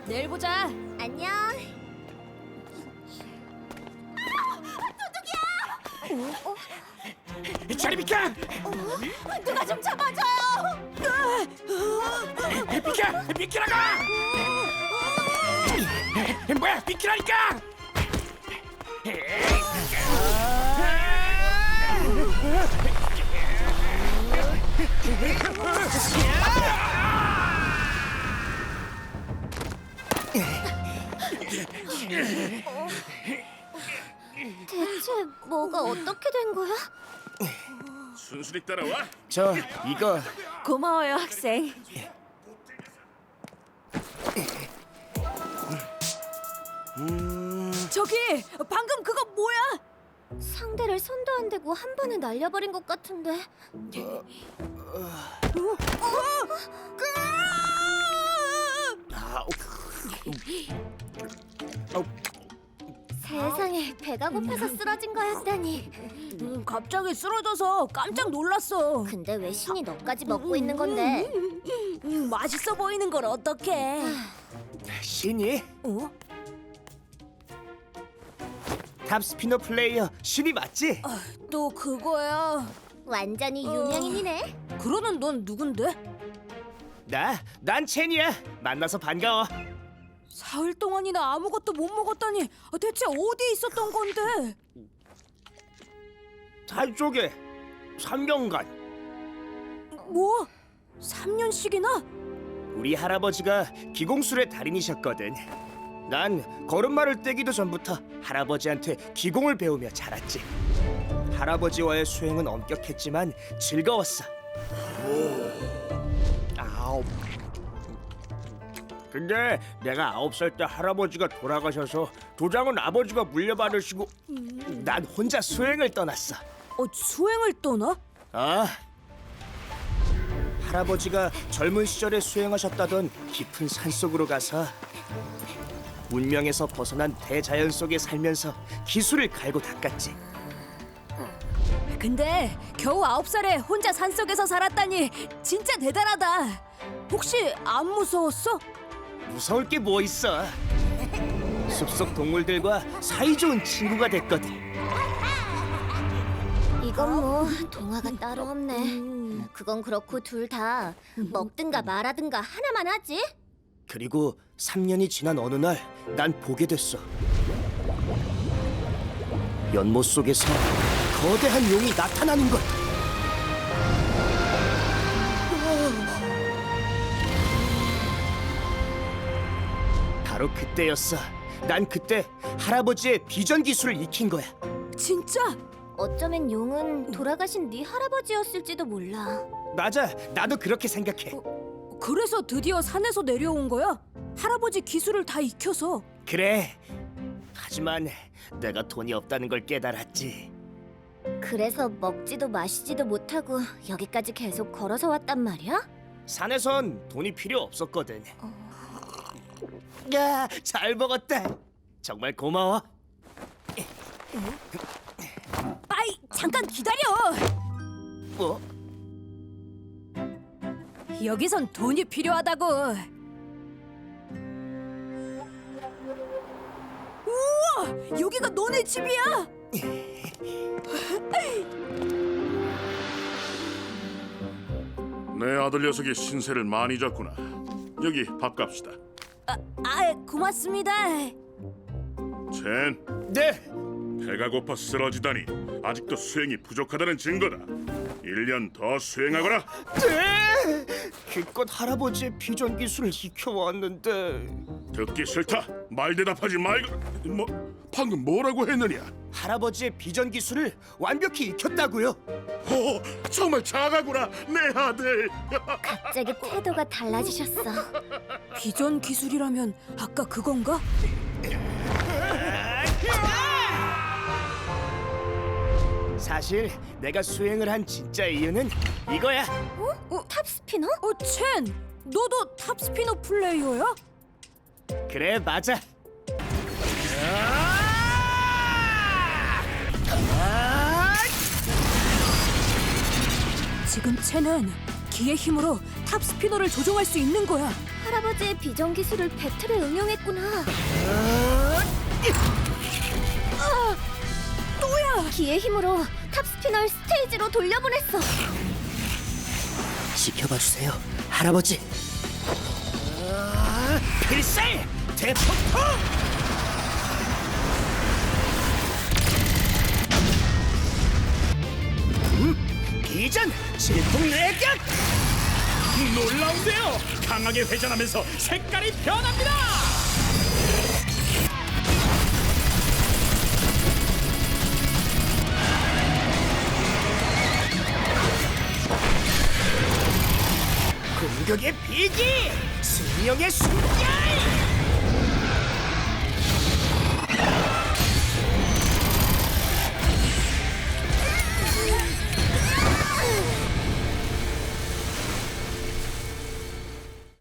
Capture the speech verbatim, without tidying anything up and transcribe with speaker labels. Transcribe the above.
Speaker 1: 내일 보자.
Speaker 2: 안녕.
Speaker 3: 저리 비켜!
Speaker 2: 누가 좀 잡아줘요.
Speaker 3: 비켜! 비키라고! 뭐야, 비키라니까!
Speaker 2: 대체 뭐가 어떻게 된 거야?
Speaker 4: 순순히 따라와.
Speaker 3: 저 이거
Speaker 1: 고마워요, 학생. 저기 방금 그거 뭐야?
Speaker 2: 상대를 손도 안 대고 한 번에 날려버린 것 같은데.
Speaker 3: 아,
Speaker 2: 세상에, 배가 고파서 쓰러진 거였다니.
Speaker 1: 음, 갑자기 쓰러져서 깜짝 놀랐어.
Speaker 2: 근데 왜 신이 너까지 먹고 있는 건데?
Speaker 1: 음, 맛있어 보이는 걸 어떡해?
Speaker 3: 신이
Speaker 1: 어?
Speaker 3: 탑 스피너 플레이어 신이 맞지?
Speaker 1: 또 그거야?
Speaker 2: 완전히 유명인이네.
Speaker 1: 그러는 넌 누군데?
Speaker 3: 나, 난 첸이야. 만나서 반가워.
Speaker 1: 사흘 동안이나 아무것도 못 먹었다니 대체 어디에 있었던 건데?
Speaker 3: 달 쪽에 삼 년간
Speaker 1: 뭐? 삼 년씩이나?
Speaker 3: 우리 할아버지가 기공술의 달인이셨거든. 난 걸음마를 떼기도 전부터 할아버지한테 기공을 배우며 자랐지. 할아버지와의 수행은 엄격했지만 즐거웠어. 아홉. 근데 내가 아홉 살 때 할아버지가 돌아가셔서 도장은 아버지가 물려받으시고 난 혼자 수행을 떠났어.
Speaker 1: 어, 수행을 떠나?
Speaker 3: 아, 할아버지가 젊은 시절에 수행하셨다던 깊은 산속으로 가서 문명에서 벗어난 대자연 속에 살면서 기술을 갈고 닦았지.
Speaker 1: 근데 겨우 아홉 살에 혼자 산속에서 살았다니 진짜 대단하다. 혹시 안 무서웠어?
Speaker 3: 무서울 게 뭐 있어. 숲속 동물들과 사이좋은 친구가 됐거든.
Speaker 2: 이건 뭐 동화가 따로 없네. 그건 그렇고 둘 다 먹든가 말하든가 하나만 하지.
Speaker 3: 그리고 삼 년이 지난 어느 날 난 보게 됐어. 연못 속에서 거대한 용이 나타나는 걸. 바로 그때였어. 난 그때 할아버지의 비전 기술을 익힌 거야.
Speaker 1: 진짜?
Speaker 2: 어쩌면 용은 돌아가신 네 할아버지였을지도 몰라.
Speaker 3: 맞아, 나도 그렇게 생각해.
Speaker 1: 그래서 드디어 산에서 내려온 거야? 할아버지 기술을 다 익혀서.
Speaker 3: 그래. 하지만 내가 돈이 없다는 걸 깨달았지.
Speaker 2: 그래서 먹지도 마시지도 못하고 여기까지 계속 걸어서 왔단 말이야?
Speaker 3: 산에선 돈이 필요 없었거든. 야, 잘 먹었다. 정말 고마워.
Speaker 1: 빠이, 잠깐 기다려.
Speaker 3: 뭐?
Speaker 1: 여기선 돈이 필요하다고. 우와, 여기가 너네 집이야?
Speaker 4: 내 아들 녀석이 신세를 많이 졌구나. 여기 밥 값이다.
Speaker 1: 아, 아 고맙습니다.
Speaker 4: 첸,
Speaker 3: 네.
Speaker 4: 배가 고파 쓰러지다니 아직도 수행이 부족하다는 증거다. 일 년 더 수행하거라.
Speaker 3: 네. 기껏 할아버지의 비전 기술을 익혀왔는데
Speaker 4: 듣기 싫다. 말 대답하지 말고. 뭐 방금 뭐라고 했느냐?
Speaker 3: 할아버지의 비전 기술을 완벽히 익혔다고요.
Speaker 4: 오, 정말 작아구나 내 아들.
Speaker 2: 갑자기 태도가 달라지셨어.
Speaker 1: 비전 기술이라면 아까 그건가?
Speaker 3: 사실 내가 수행을 한 진짜 이유는 이거야.
Speaker 2: 어? 탑스피너?
Speaker 1: 어, 첸, 너도 탑스피너 플레이어야?
Speaker 3: 그래, 맞아.
Speaker 1: 지금 첸은 기의 힘으로 탑스피너를 조종할 수 있는 거야.
Speaker 2: 할아버지의 비전 기술을 배틀에 응용했구나.
Speaker 1: 아, 또야.
Speaker 2: 기의 힘으로 탑스피너를 스테이지로 돌려보냈어.
Speaker 3: 지켜봐 주세요, 할아버지. 아, 필살 대폭풍! 음, 비전 질풍내격!
Speaker 5: 놀라운데요. 강하게 회전하면서 색깔이 변합니다.
Speaker 3: 공격의 비기! 승령의 순간!